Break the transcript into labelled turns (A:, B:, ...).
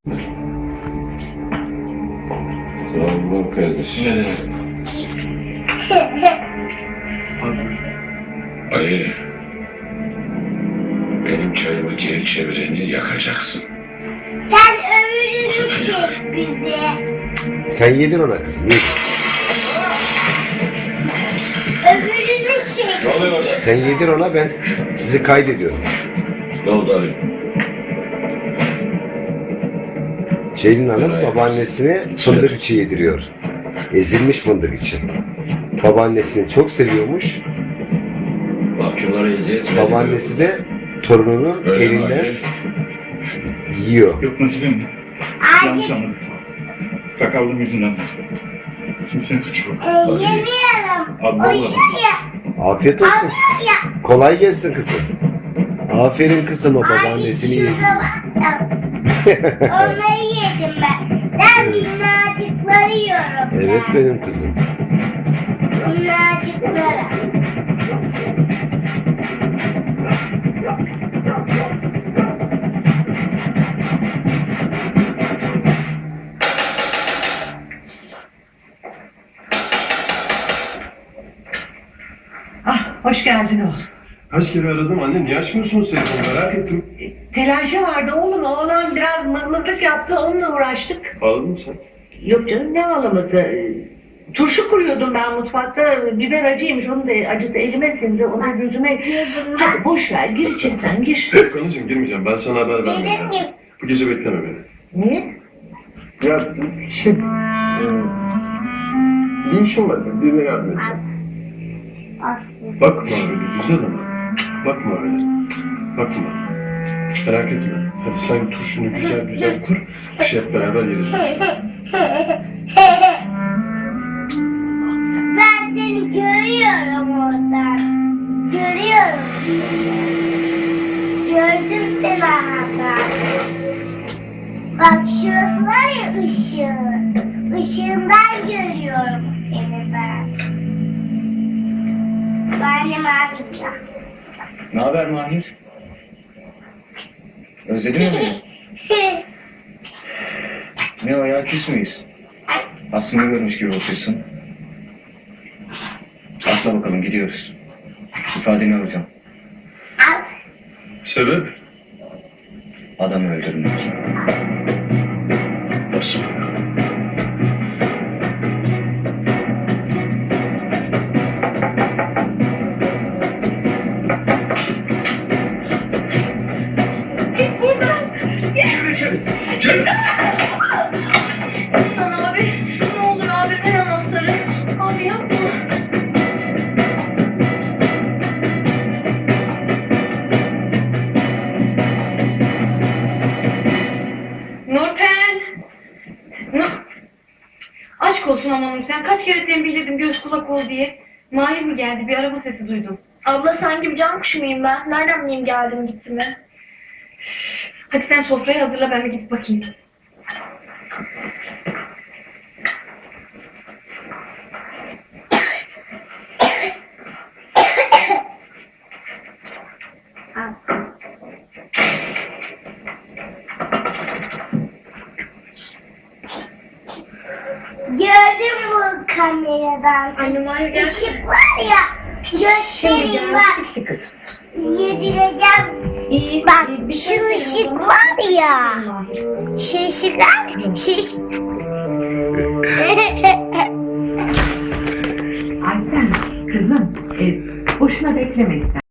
A: Sağ ol kardeşim.
B: Ne?
A: Ali, benim çayımı geri çevireni yakacaksın.
C: Sen ömrünü çek bizi.
D: Sen yedin ona kızım. Yedin.
C: Ömrünü çek.
A: Ne oluyor orada?
D: Sen yedir ona, ben sizi kaydediyorum.
A: Ne oldu Ali?
D: Ceylin Hanım
A: Evet.
D: babaannesine fındık içi yediriyor. Ezilmiş fındık içi. Babaannesini çok seviyormuş.
A: Mahkumlara eziyet mi
D: Babaannesi de torununu
A: ediyor? Öyle mi
D: elinden
A: Ali?
D: yiyor.
B: Yok nasibim. Yanlış anladım. Sakallığım yüzünden. Kimsenin suçu yok.
C: Yemiyorum.
B: Abla
C: O
B: abla.
C: yemiyor.
D: Afiyet olsun.
C: Ya.
D: Kolay gelsin kızım. Aferin kızıma, babaannesini yedi.
C: Onları yedim ben. Ben minnacıkları yiyorum.
D: Evet
C: ben.
D: benim kızım.
C: Minnacıkları.
E: Ah, hoş geldin oğlum.
F: Kaç kere aradım anne, niye açmıyorsunuz telefonu, merak ettim.
E: Telaşı vardı oğlum, oğlan biraz mızmızlık yaptı, onunla uğraştık.
F: Ağladın mı sen?
E: Yok canım, ne ağlaması? Turşu kuruyordum ben mutfakta, biber acıymış, onun da acısı elime sindi, ona gözüme... Hadi boş ver, gir içeri sen, gir.
F: Yok anneciğim, girmeyeceğim, ben sana haber vermeyeceğim.
C: Yedim.
F: Bu gece bekleme beni.
E: Niye?
F: Ya bir işim var, birine yardım edeceğim.
C: Aslı.
F: Bakma öyle güzel ama, bakma öyle, bakma. Merak etme, hadi sen turşunu güzel güzel kur, bir şey hep beraber yeriz.
C: Ben seni görüyorum oradan. Görüyorum seni. Gördüm seni hatta. Bak şurası var ya ışığı. Işığından görüyorum seni ben. Benim arayacağım.
G: Ne haber Mahir? Özledin mi beni? Ne o ya, küs müyüz? Aslında görmüş gibi bakıyorsun. Atla bakalım, gidiyoruz. İfadeni alacağım.
C: Al.
F: Sebep?
G: Adamı öldürmek.
F: Nasıl?
E: Aslan abi, ne olur abi, ver anahtarı. Abi yapma. Nurten! Aşk olsun ama Nurten, kaç kere tembihledim göz kulak ol diye. Mahir mi geldi, bir araba sesi duydum.
H: Abla sanki bir can kuşu muyum ben? Nereden bileyim geldim gitti mi?
E: Hadi sen sofrayı hazırla, ben bir gidip bakayım.
C: Gördüm bu kameradan.
H: Anne Mahir geldi.
C: Işık var ya. Göstereyim bak. Yedireceğim.
E: İyi.
C: Bak
E: bir
C: şu
E: şey söyle o
C: ışık
E: zaman.
C: var ya.
E: Mahir.
C: Şu ışıklar.
E: Ayten, kızım, boşuna bekleme istersen.